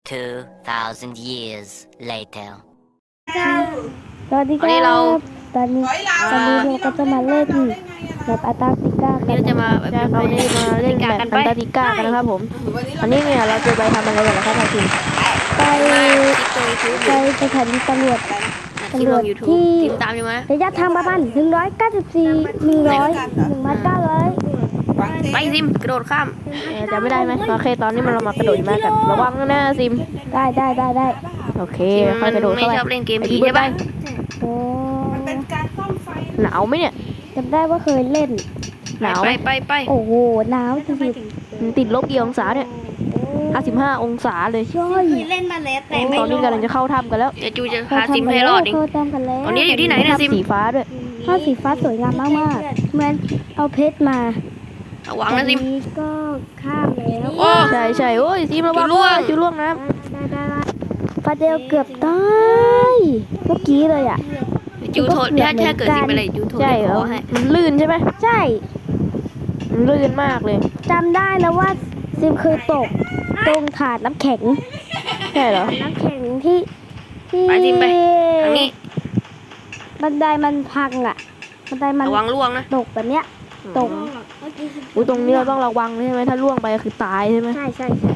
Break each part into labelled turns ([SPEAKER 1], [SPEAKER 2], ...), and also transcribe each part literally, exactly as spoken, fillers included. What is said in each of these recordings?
[SPEAKER 1] two thousand years later
[SPEAKER 2] สวัสดีค
[SPEAKER 3] วันนี้
[SPEAKER 2] รั
[SPEAKER 3] เรา
[SPEAKER 2] บตอนนี้ตอนนี้เราก็จะมาเล่นแบบอันตาร์กติกา
[SPEAKER 3] วัน
[SPEAKER 2] กั
[SPEAKER 3] นี้
[SPEAKER 2] น
[SPEAKER 3] เราจะมาแบบ
[SPEAKER 4] ใช่ครับวันนี้มาเล่นแบบอันตาร์กติกากันนะครับผมอันนี้เนี่ยเราจะไปทำอะไรกันนะครับทางทีม
[SPEAKER 2] ไป
[SPEAKER 3] มาคลิปตัวยูทูบอ
[SPEAKER 2] ไป
[SPEAKER 3] ยู่
[SPEAKER 2] สถานีตำรวจ
[SPEAKER 3] คลิปลงยูทูบทีมตามอยู่ไหม
[SPEAKER 2] ระยะทางประมาณหนึ่งร้อยเก้าสิบสี่หนึ่งร้อยหนึ่งพันเก้าร้อย
[SPEAKER 3] ไปซิมกระโดดข้าม
[SPEAKER 4] เอ่อจะไม่ได้ไหมโอเคตอนนี้มันเรามากระโดดหิมะกันระวังนะซิม
[SPEAKER 2] ได้ได้ได้ได้
[SPEAKER 4] โอเคค่อยกระโดด
[SPEAKER 3] ไม่
[SPEAKER 4] เข้าไป
[SPEAKER 3] ชอบเล่นเกมผี
[SPEAKER 4] ไอ้
[SPEAKER 3] ใช่ปะ
[SPEAKER 2] โอ้
[SPEAKER 4] หนาวไหมเนี่ย
[SPEAKER 2] จำได้ว่าเคยเล่น
[SPEAKER 4] หนาว
[SPEAKER 3] ไป
[SPEAKER 4] ไหม
[SPEAKER 3] ไปไป
[SPEAKER 2] โอ้โหหนาวจริง
[SPEAKER 4] มันติดลบกี่องศาเนี่ยห้าสิบห้าองศาเลย
[SPEAKER 2] ๆช่วย
[SPEAKER 5] เล่นมาแล้วแต่
[SPEAKER 4] ตอนนี้กำลังจะเข้าถ้ำกันแล้ว
[SPEAKER 3] เดี๋ยวจูจะพาซิมให้รอดเอง
[SPEAKER 2] เขาทำกันแล้ว
[SPEAKER 3] ตอนนี้อยู่ที่ไหนเนี่ยซิม
[SPEAKER 4] สีฟ้าด้วย
[SPEAKER 2] ผ้าสีฟ้าสวยงามมากๆเหมือนเอาเพชรมา
[SPEAKER 3] ระวังนะซิม
[SPEAKER 2] อันี้ก็ข้ามแล้ว
[SPEAKER 3] โอ้
[SPEAKER 4] ใช่ใช่โอ้ยซิมระวัง
[SPEAKER 3] จุล่วง
[SPEAKER 4] จุล่วงน้
[SPEAKER 2] ได้ได้ได้ฟาเดลเกือบตายเมื่อกี้เลยอ่ะ
[SPEAKER 3] เดี๋ยวจูโทษถ้าถ้าเกิดซิมไปเลยจูโท
[SPEAKER 4] ำ
[SPEAKER 3] ษ
[SPEAKER 4] ใช่
[SPEAKER 3] ใน
[SPEAKER 4] เหร
[SPEAKER 3] ค
[SPEAKER 4] อ
[SPEAKER 3] อให้
[SPEAKER 4] มันลื่นใช่ไหม
[SPEAKER 2] ใช่
[SPEAKER 4] มันลื่นมากเลย
[SPEAKER 2] จำได้แล้วว่าซิมเคยตกตรงถาดน้ำแข็ง
[SPEAKER 4] ใช่เหรอ
[SPEAKER 2] น้ำแข็งที่ที่
[SPEAKER 3] ไปซิมไปทางนี้
[SPEAKER 2] บันไดมันพังอ่ะบันไดมัน
[SPEAKER 3] ระวังล่วงนะ
[SPEAKER 2] ตกแบบเนี้ยตก
[SPEAKER 4] อุ้ยตรงนี้เราต้องระวังใช่ไหมถ้าล่วงไปคือตายใช่ไหม
[SPEAKER 2] ใช่ใช่ใช่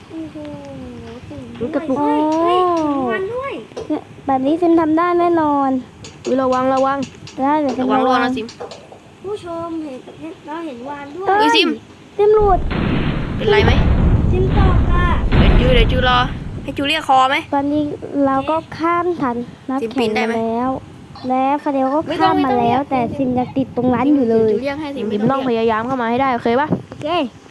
[SPEAKER 4] อุ๊ยกระตุก
[SPEAKER 2] โอ้เนี่ยแบบนี้ซิมทำได้แน่นอน
[SPEAKER 4] อุ้ยระวังระวัง
[SPEAKER 2] ได้เดี๋ยวซิ
[SPEAKER 3] ระ
[SPEAKER 2] ม
[SPEAKER 3] วังล่วง
[SPEAKER 2] ระ
[SPEAKER 3] นะซิม
[SPEAKER 5] ผู้ชมเห็นเราเห็นวานด้วย
[SPEAKER 2] เอ้
[SPEAKER 3] อุ้
[SPEAKER 2] ย
[SPEAKER 3] ยซิม
[SPEAKER 2] ซิมหลุด
[SPEAKER 3] เป็นไรไหม
[SPEAKER 5] ซิมตอกอ่ะ
[SPEAKER 3] เดี๋ยวจูเดี๋ยวจูรอให้จูเรียกคอไหม
[SPEAKER 2] ตอนนี้เราก็ข้ามทัน
[SPEAKER 3] ซิม
[SPEAKER 2] น้ำ
[SPEAKER 3] ปี
[SPEAKER 2] แข็ง
[SPEAKER 3] นได้
[SPEAKER 2] มา
[SPEAKER 3] ไหม
[SPEAKER 2] แล้ว แล้วฟาเดลก็
[SPEAKER 3] ไม่ต้อ
[SPEAKER 2] ข้าง ม
[SPEAKER 3] ไม่
[SPEAKER 2] มา
[SPEAKER 3] ต้อง
[SPEAKER 2] แล้ว แต่ซิมยังติดตรงนั้นอยู่เลย
[SPEAKER 3] จูเรียกให้ซิม
[SPEAKER 4] ซิมต้องพยายามเข้ามาให้ได้โอเคปะ
[SPEAKER 2] โอเค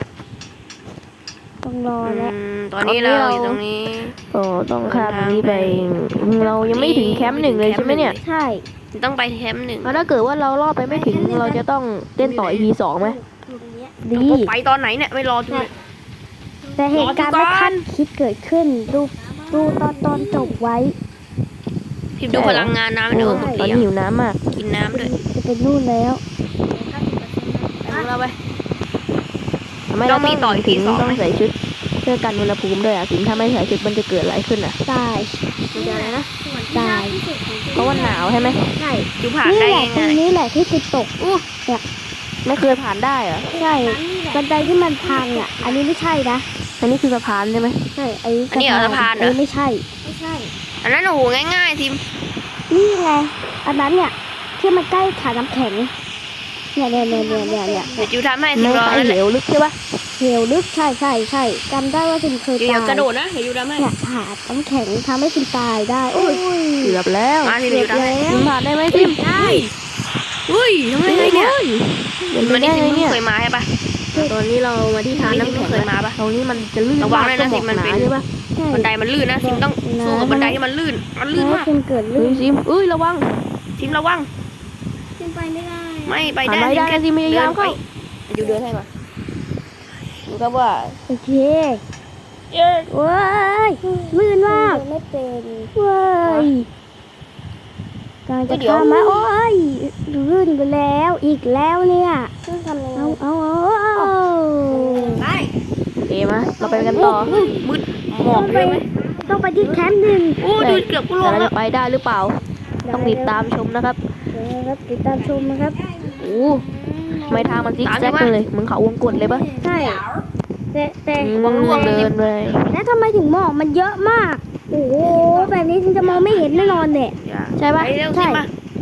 [SPEAKER 2] ต้องรอ
[SPEAKER 3] อื
[SPEAKER 2] แล้ว
[SPEAKER 3] มตอนนี้เราอยู่ตรงนี้
[SPEAKER 4] โอ้ต้องข้ามตรงนี้ไป เรายังไม่ถึงแคมป์หนึ่งเลยใช่ไหมเนี่ย
[SPEAKER 2] ใช่
[SPEAKER 3] ต้องไปแคมป์หนึ่ง
[SPEAKER 4] แล้วถ้าเกิดว่าเรารอดไปไม่ถึงเราจะต้องเต้นต่อ อี พี สองไหม
[SPEAKER 2] ดี
[SPEAKER 3] ไปตอนไหนเนี่ยไม่รอจูเลย
[SPEAKER 2] แต่เหตุการณ์
[SPEAKER 3] รอ
[SPEAKER 2] ไม่
[SPEAKER 3] ดูก่อน
[SPEAKER 2] คาดคิดเกิดขึ้น ดูดูตอนตอนจบไว้
[SPEAKER 3] พิมพ์ดูพลังงานน้ำ
[SPEAKER 4] โอ้
[SPEAKER 3] เดี๋ยวหมด
[SPEAKER 4] ตอน
[SPEAKER 3] เรีย
[SPEAKER 4] นี้
[SPEAKER 3] ง
[SPEAKER 4] หิวน้ำมาก
[SPEAKER 3] กินน้ำด้วย
[SPEAKER 2] จะเป็นนู่นแล้ว
[SPEAKER 3] ดูเราไป
[SPEAKER 4] ทำไม
[SPEAKER 3] ต้
[SPEAKER 4] เรา
[SPEAKER 3] องมีต่อ อี พี
[SPEAKER 4] ถึง
[SPEAKER 3] สอง
[SPEAKER 4] ต้อง
[SPEAKER 3] ไหม
[SPEAKER 4] ใส่ชุดเพื่อกันอุณหภูมิด้วยอ่ะสิถ้าไม่ใส่ชุดมันจะเกิดอะไรขึ้นอ่ะ
[SPEAKER 2] ตาย
[SPEAKER 3] มันจะอะไรนะ
[SPEAKER 2] ตาย
[SPEAKER 4] เพราะว่าหนาวใช่ไหม
[SPEAKER 2] ใช่
[SPEAKER 3] จูผ่าน
[SPEAKER 2] นี่
[SPEAKER 3] ได้
[SPEAKER 2] แหละตร
[SPEAKER 3] ง่าง ย
[SPEAKER 2] นี้แหละที่ติดตก
[SPEAKER 3] ๆอู้
[SPEAKER 4] ไม่เคยผ่านได้เหรอ
[SPEAKER 2] ใช่บันไดที่มันพังอ่ะ อันนี้ไม่ใช่นะ
[SPEAKER 4] อันนี้คือสะพานใช่ไหม
[SPEAKER 2] ใช่ไอ้
[SPEAKER 3] อันนี้เหรอสะพานเหร
[SPEAKER 2] ไอ้
[SPEAKER 3] อ
[SPEAKER 2] ไม่ใช่
[SPEAKER 5] ไม่ใช่
[SPEAKER 3] อันนั้นโอ้โหง่ายๆทิม
[SPEAKER 2] นี่ไง อันนั้นเนี่ยที่มันใกล้ถาดน้ำแข็ง เนี่ยเนี่ยเนี่ยเนี่ยเนี่ยเนี่ย
[SPEAKER 3] เดี๋ยวจูทำให้ทิ
[SPEAKER 4] ไม่
[SPEAKER 3] มรอ
[SPEAKER 4] ไอ
[SPEAKER 3] นั่น
[SPEAKER 4] เห
[SPEAKER 3] แห
[SPEAKER 4] ล
[SPEAKER 3] ละ
[SPEAKER 4] วลึกใช่ปะ
[SPEAKER 2] เหวลึกใช่ใช่ใช่จำได้ว่าซิมเคย
[SPEAKER 3] เดี๋ย
[SPEAKER 2] ตา
[SPEAKER 3] วย กระโดดนะเดี๋ยวจูทำให้
[SPEAKER 2] เนี่ยถาดน้ำแข็งทำให้ซิมตายได้ โอ้ย
[SPEAKER 4] เกือบแล้ว
[SPEAKER 3] มาทิมเดี๋ยวจูทำให้
[SPEAKER 4] ซิมผ่านได้ไหมซิม
[SPEAKER 3] ได้อุ้ยทำไมไงเนี่ย
[SPEAKER 4] เป็นไป
[SPEAKER 3] มัน
[SPEAKER 4] ได้
[SPEAKER 3] นี่ทิม
[SPEAKER 4] ไง
[SPEAKER 3] เพิ่ง
[SPEAKER 4] เนี่ย
[SPEAKER 3] เคยมาใช่ปะ
[SPEAKER 4] ตอนนี้เรามาที่ทานน้ำแข็ง
[SPEAKER 3] เคยมาปะ
[SPEAKER 4] ตรงนี้มันจะลื่น
[SPEAKER 3] ระวังด้วยนะ
[SPEAKER 4] มาก
[SPEAKER 3] สิมันเป็น
[SPEAKER 4] หาใช่ปะ
[SPEAKER 2] ใช่
[SPEAKER 3] บันไดมันลื่นนะทิมต้องสู้กับบันไดที่มันลื่นมันลื่น
[SPEAKER 2] แล้ว
[SPEAKER 3] มาก
[SPEAKER 2] ซิมเกิด
[SPEAKER 4] เฮ้
[SPEAKER 2] ลื่
[SPEAKER 4] ย
[SPEAKER 2] น
[SPEAKER 4] ซิมเอ้ยระวัง
[SPEAKER 3] ทิมระวัง
[SPEAKER 5] ซิมไปไม่ได้
[SPEAKER 3] ไม่ไป
[SPEAKER 4] ผ่าน
[SPEAKER 3] ได้
[SPEAKER 4] ไม่ได้นะซิมพยายาม
[SPEAKER 3] ไป
[SPEAKER 4] เข้า
[SPEAKER 3] จูเดินให้มาดูครับว่า
[SPEAKER 2] โอเคว้ายลื่นมากไม่เป็นว้ายกำลังจะข้ามมาโอ้ยลื่นไปแล้วอีกแล้วเนี่ย
[SPEAKER 5] ซึ่งทำยังไง
[SPEAKER 2] เอาเอาเอาเอา
[SPEAKER 5] ได้
[SPEAKER 4] โอเคมาเราไปกันต่อ
[SPEAKER 3] มืดหมอกเลยไหม
[SPEAKER 2] ต้องไปที่แคมป์หนึ่ง
[SPEAKER 3] โอ้ดูเกือบกูล
[SPEAKER 4] แต่
[SPEAKER 3] ง
[SPEAKER 4] เรา
[SPEAKER 3] แล้
[SPEAKER 4] จะ
[SPEAKER 3] ว
[SPEAKER 4] ไปได้หรือเปล่า ต้องติดตามชมนะครับ
[SPEAKER 2] เดี๋ยวนะครับติดตามชมนะครับ
[SPEAKER 4] โอ้ไม่ทางมันซิกแซกเลยเหมือนเขาวงกตเลยปะ
[SPEAKER 2] ใช่แต่แต่
[SPEAKER 4] วังล่วงเดินเลย
[SPEAKER 2] แล้วทำไมถึงหมอกมันเยอะมาก โอ้โหแบบนี้ฉันจะมองไม่เห็นแน่นอนเนี่ย
[SPEAKER 3] อย่า
[SPEAKER 4] ใช่ปะ
[SPEAKER 3] ไปเร็ว
[SPEAKER 2] ใช่
[SPEAKER 3] สิมาม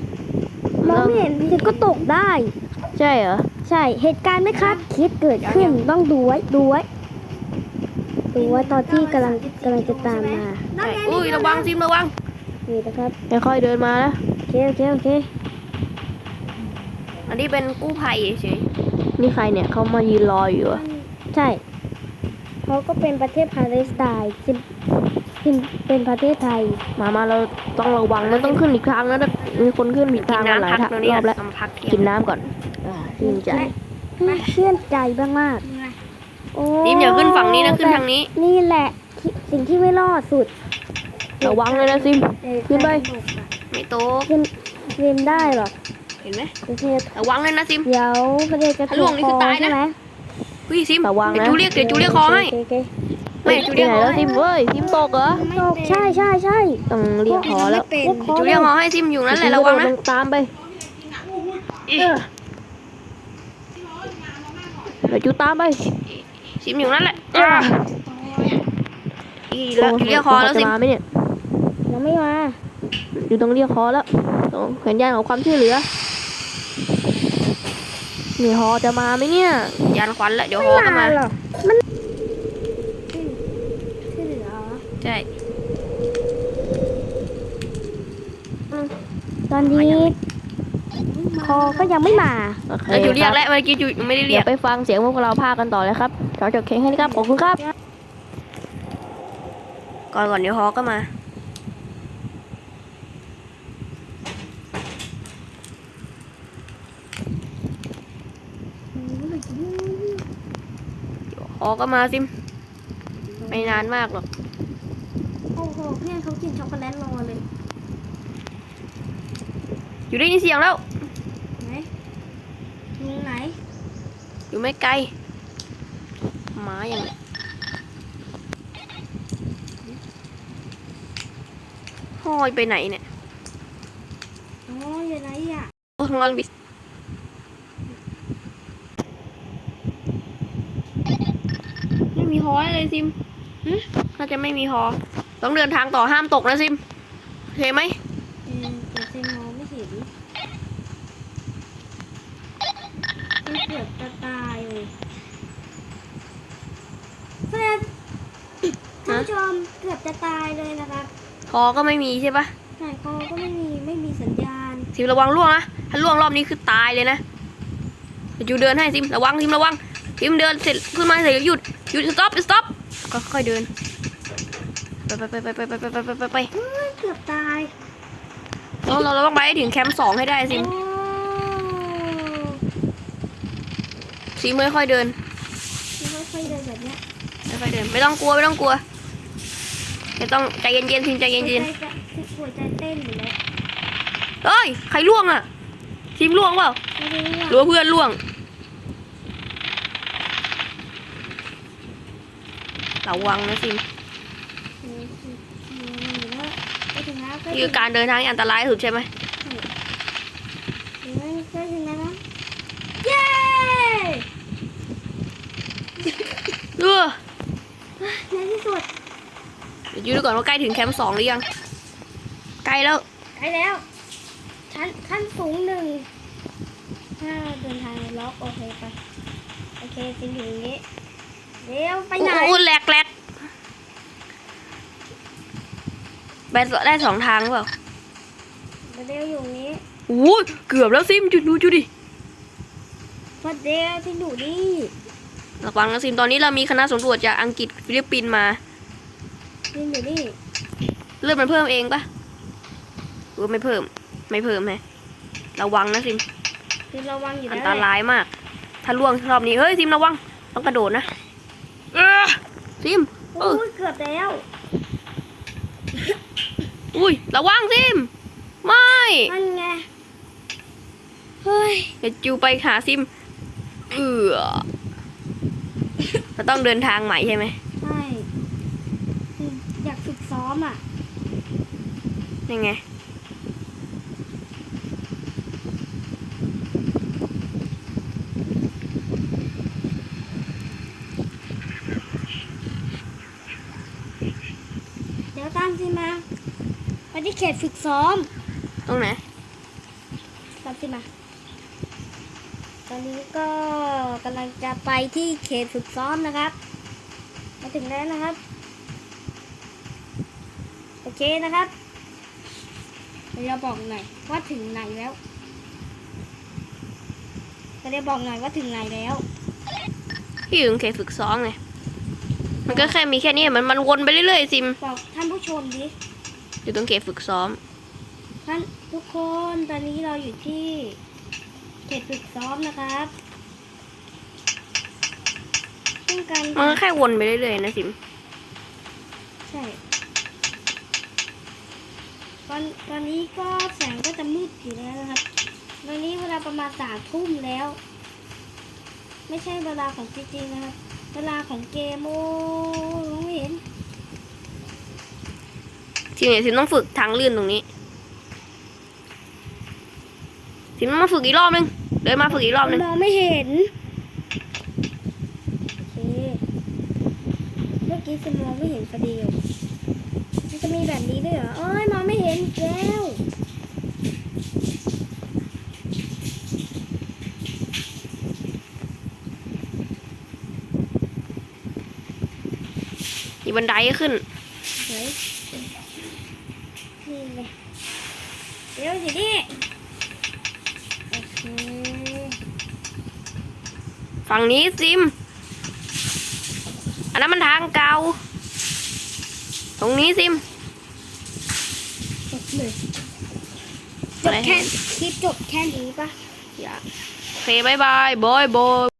[SPEAKER 2] องไม่เห็นฉันก็ตกได้
[SPEAKER 4] ใช่เหรอ
[SPEAKER 2] ใช่เหตุการณ์ไม่คาดคิดเกิดขึ้นต้องดูไว้ดูไว้ดูไว้ตอนที่กำลังกำลังจะตามมา
[SPEAKER 3] ใช่อุ้ยระวังซิมระวัง
[SPEAKER 2] นี่นะครับ
[SPEAKER 4] ค่อยๆเดินมานะ
[SPEAKER 2] โอเคโอเคโอเค
[SPEAKER 3] อันนี้เป็นกู้ภัยเฉย
[SPEAKER 4] นี่ใครเนี่ยเขามายืนรออยู่อะ
[SPEAKER 2] ใช่เขาก็เป็นประเทศปาเลสไตน์ซิมซิมเป็นประเทศไทย
[SPEAKER 4] มามาเราต้องระวังมันต้องขึ้นอีกทางนะมีคนขึ้นผิด
[SPEAKER 3] ๆกิ
[SPEAKER 4] ทาน งมาหลาย
[SPEAKER 3] น้ำพัก
[SPEAKER 4] ทาง
[SPEAKER 3] ตรงนี้
[SPEAKER 4] รอบแล้ว
[SPEAKER 3] ทำพักเที่ย
[SPEAKER 4] กิน
[SPEAKER 3] ง
[SPEAKER 4] น้ำก่อนอ่าชื่นใจ
[SPEAKER 2] เชื่นใจบ้างมากโอ้
[SPEAKER 3] ซิมอย่าขึ้นฝั่งนี้นะขึ้นทางนี้
[SPEAKER 2] นี่แหละที่สิ่งที่ไม่รอดสุด
[SPEAKER 4] ระวังเลยนะซิม ขึ้นไป
[SPEAKER 3] ไม่โตะ
[SPEAKER 2] ซิมซิมได้หรอ
[SPEAKER 3] เห็นไหม
[SPEAKER 2] ประเทศ
[SPEAKER 3] ระวังเลยนะซิม
[SPEAKER 2] เดี๋ยวประเทศจะ
[SPEAKER 3] ถ้าล่วงนี่คือตายนะ
[SPEAKER 2] ใช่ไหม
[SPEAKER 3] อุ้ยซิม
[SPEAKER 4] ระวังนะ
[SPEAKER 3] เดี๋ยวจูเรียกเดี๋ยวจูเรียกคอให้
[SPEAKER 2] โอเคโอเค
[SPEAKER 3] ไม่
[SPEAKER 4] ไป
[SPEAKER 3] จู
[SPEAKER 4] ไห
[SPEAKER 3] เลีย
[SPEAKER 4] น
[SPEAKER 3] ฮอ
[SPEAKER 4] แล้ว
[SPEAKER 3] ให้
[SPEAKER 4] ซิมเว้ยซิมตกเหรอ
[SPEAKER 2] ตกใช่ใช่ใช่
[SPEAKER 4] ต้องเรียกหอแล้ว
[SPEAKER 5] เป็น
[SPEAKER 3] จูเลียฮอให้ซิมอยู่นั่นแหละระวังนะ
[SPEAKER 4] ลงตามไปเดี๋ยวจูตามไป
[SPEAKER 3] ซิมอยู่นั่นแหละอีแล้วจูเลียฮอแล้วซิ
[SPEAKER 4] จะ
[SPEAKER 3] ม
[SPEAKER 4] มาไหมเนี่ย
[SPEAKER 2] ยังไม่มา
[SPEAKER 4] อยู่ตรงเรียกฮอแล้วตรงสัญญาณของความช่วยเหลือนี่ฮอจะมาไหมเนี่ย
[SPEAKER 3] ยานควันแหละเดี๋ยวฮอก็มา
[SPEAKER 2] หรอกมัน
[SPEAKER 5] ที่เหลือ
[SPEAKER 3] ใช่
[SPEAKER 2] ตอนนี้คอก็ยังไม่มา
[SPEAKER 4] โอเค
[SPEAKER 3] แล้วจูเรีย
[SPEAKER 4] ค
[SPEAKER 3] ก
[SPEAKER 4] รับ
[SPEAKER 3] แล้วเมื่อกี้จูไม่ได้เรี
[SPEAKER 4] เดี๋
[SPEAKER 3] ย
[SPEAKER 4] ย
[SPEAKER 3] ก
[SPEAKER 4] วไปฟังเสียงพวกเราพากันต่อเลยครับขอจบเพลงให้นะครับขอบคุณครับ
[SPEAKER 3] ก่อนก่อนเดี๋ยวฮอก็มาฮอก็มาซิมไม่นานมากหรอก
[SPEAKER 5] โอ้โหเพื่อนเขากินช็อกโกแลตรอเลย
[SPEAKER 3] อยู่ได้ยินเสียงแล้ว
[SPEAKER 5] ไหนลุงไหน
[SPEAKER 3] อยู่ไม่ไกลหมาอย่างเนี้ยห้อยไปไหนเนี่ย
[SPEAKER 5] อ๋ออยู่ไหนอ่ะ
[SPEAKER 3] โอ้งอนบิสไม่มีฮอเลยซิมน่าจะไม่มีฮอต้องเดินทางต่อห้ามตกนะซิมโอเคไหม
[SPEAKER 5] เออแต่เซมองไม่เห็นมันเกือบจะตายเลยเพื่อนท่านผู้ชมเกือบจะตายเลยนะครับ
[SPEAKER 3] ฮอก็ไม่มีใช่ปะ
[SPEAKER 5] สายคอก็ไม่มีไม่มีสัญญาณ
[SPEAKER 3] ซิมระวังล่วงนะถ้าล่วงรอบนี้คือตายเลยนะเดี๋ยวจูเดินให้ซิมระวังซิมระวังซิมเดินเสร็จขึ้นมาเสร็จหยุดหยุดสต็อปสต็อปก็ค่อยเดินไปไปไปไปไปไปไปไปไปไป
[SPEAKER 5] เฮ้ยเกือบตาย
[SPEAKER 3] เราเราต้องไปให้ถึงแคมป์สองให้ได้ซิม
[SPEAKER 5] โอ้
[SPEAKER 3] ซิมค่อยๆเดิน
[SPEAKER 5] ค่อยๆเดินแบบเนี้ย
[SPEAKER 3] ค่อยๆเดินไม่ต้องกลัวไม่ต้องกลัวไม่ต้องใจเย็นๆซิมใจเย็น
[SPEAKER 5] หัวใจจะหัวใจเต้นอยู่แล้ว
[SPEAKER 3] ๆเอ้ยใครล่วงอ่ะซิมล่วงเปล่า
[SPEAKER 5] ไม่รู้
[SPEAKER 3] หรือ
[SPEAKER 5] ว่า
[SPEAKER 3] ว่าเพื่อนล่วงระวังนะซิม
[SPEAKER 5] เอออยู่แล้วไปถึงแล้วใกล้
[SPEAKER 3] นี่
[SPEAKER 5] ถึ
[SPEAKER 3] คื
[SPEAKER 5] ง
[SPEAKER 3] อการเดินทางที่อันตรายที่สุดใช่ไหม
[SPEAKER 5] ถึงแล้วใกล้ถึงแล้วนะเย้
[SPEAKER 3] เออ
[SPEAKER 5] ในที่สุด
[SPEAKER 3] เดี๋ยวยูดูก่อนว่าใกล้ถึงแคมป์สองหรือยังใกล้แล้ว
[SPEAKER 5] ใกล้แล้วชั้นขั้นสูงหนึ่งถ้าเดินทางล็อกโอเคไปโอเคซิมอยู่อย่างนี้เดี๋ยวไปไหน
[SPEAKER 3] โอ้โหแหลกแหลกไปได้สองทางหรือเปล่า
[SPEAKER 5] เดี๋ยวอยู่อย่างนี้
[SPEAKER 3] โอ้ยเกือบแล้วซิมจุดดูจุดดิ
[SPEAKER 5] พอเดี๋ยวที่อยู่นี่
[SPEAKER 3] ระวังนะซิมตอนนี้เรามีคณะสำรวจจากอังกฤษฟิลิปปินส์มา
[SPEAKER 5] ซิมอยู่นี่
[SPEAKER 3] เลือดมันเพิ่มเองปะหรือว่าไม่เพิ่มไม่เพิ่มแฮะระวังนะซิม
[SPEAKER 5] ซิมระวังอยู่
[SPEAKER 3] อัน
[SPEAKER 5] แล้ว
[SPEAKER 3] ตรายมาก ถ้าล่วงรอบนี้เฮ้ยซิมระวังต้องกระโดดนะเออซิมเอ
[SPEAKER 5] โอ้
[SPEAKER 3] อย
[SPEAKER 5] เกือบแล้ว
[SPEAKER 3] อุ้ยระวังซิมไม่
[SPEAKER 5] นั่นไงเฮ้ย
[SPEAKER 3] เดี๋ยวจูไปหาซิมเออเราต้องเดินทางใหม่ใช่ไหม
[SPEAKER 5] ใช่ซิมอยากฝึกซ้อมอ่ะ
[SPEAKER 3] ยังไง
[SPEAKER 5] เดี๋ยวตามซิมมาไปที่เขตฝึกซ้อม
[SPEAKER 3] ตรงไหน
[SPEAKER 5] ตามซิมมาตอนนี้ก็กำลังจะไปที่เขตฝึกซ้อมนะครับมาถึงแล้วนะครับโอเคนะครับเดี๋ยวบอกหน่อยว่าถึงไหนแล้วจะได้บอกหน่อยว่าถึงไหนแล้ว
[SPEAKER 3] ที่อยู่เคฝึกซ้อมไงมันก็แค่มีแค่นี้มันมันวนไปเรื่อยๆซิม
[SPEAKER 5] บอกท่านผู้ชมดิ
[SPEAKER 3] อยู่ตรงเขตฝึกซ้อม
[SPEAKER 5] ท่านทุกคนตอนนี้เราอยู่ที่เขตฝึกซ้อมนะครับซึ่งการ
[SPEAKER 3] มันก็แค่วนไปเรื่อยๆนะซิม
[SPEAKER 5] ใช่ตอนตอนนี้ก็แสงก็จะมืดอยู่แล้วนะครับตอนนี้เวลาประมาณสามทุ่มแล้ว ไม่ใช่เวลาของจริงๆนะครับเวลาของเกมโอ้มองไม่เห็น
[SPEAKER 3] ทีนี้ซิมต้องฝึกทางลื่นตรงนี้ซิมต้องมาฝึกอีกรอบนึงเดินมาฝึกอีกรอบนึง
[SPEAKER 5] มองไม่เห็นโอเคเมื่อกี้ซิมมองไม่เห็นพอดีมันจะมีแบบนี้ด้วยเหรอโอ้ยมองไม่เห็นอีกแล้ว
[SPEAKER 3] มีบันไดขึ้น
[SPEAKER 5] เฮ้ยนี่เลยเดี๋ยวสิดิโอเค
[SPEAKER 3] ฝั่งนี้ซิม อันนั้นมันทางเก่า ตรงนี้ซิม
[SPEAKER 5] จบเลยจ
[SPEAKER 3] อะไร
[SPEAKER 5] บแค่คลิปจบแค่นี้ปะ
[SPEAKER 3] อย่าโอเคบายบายบอยบอย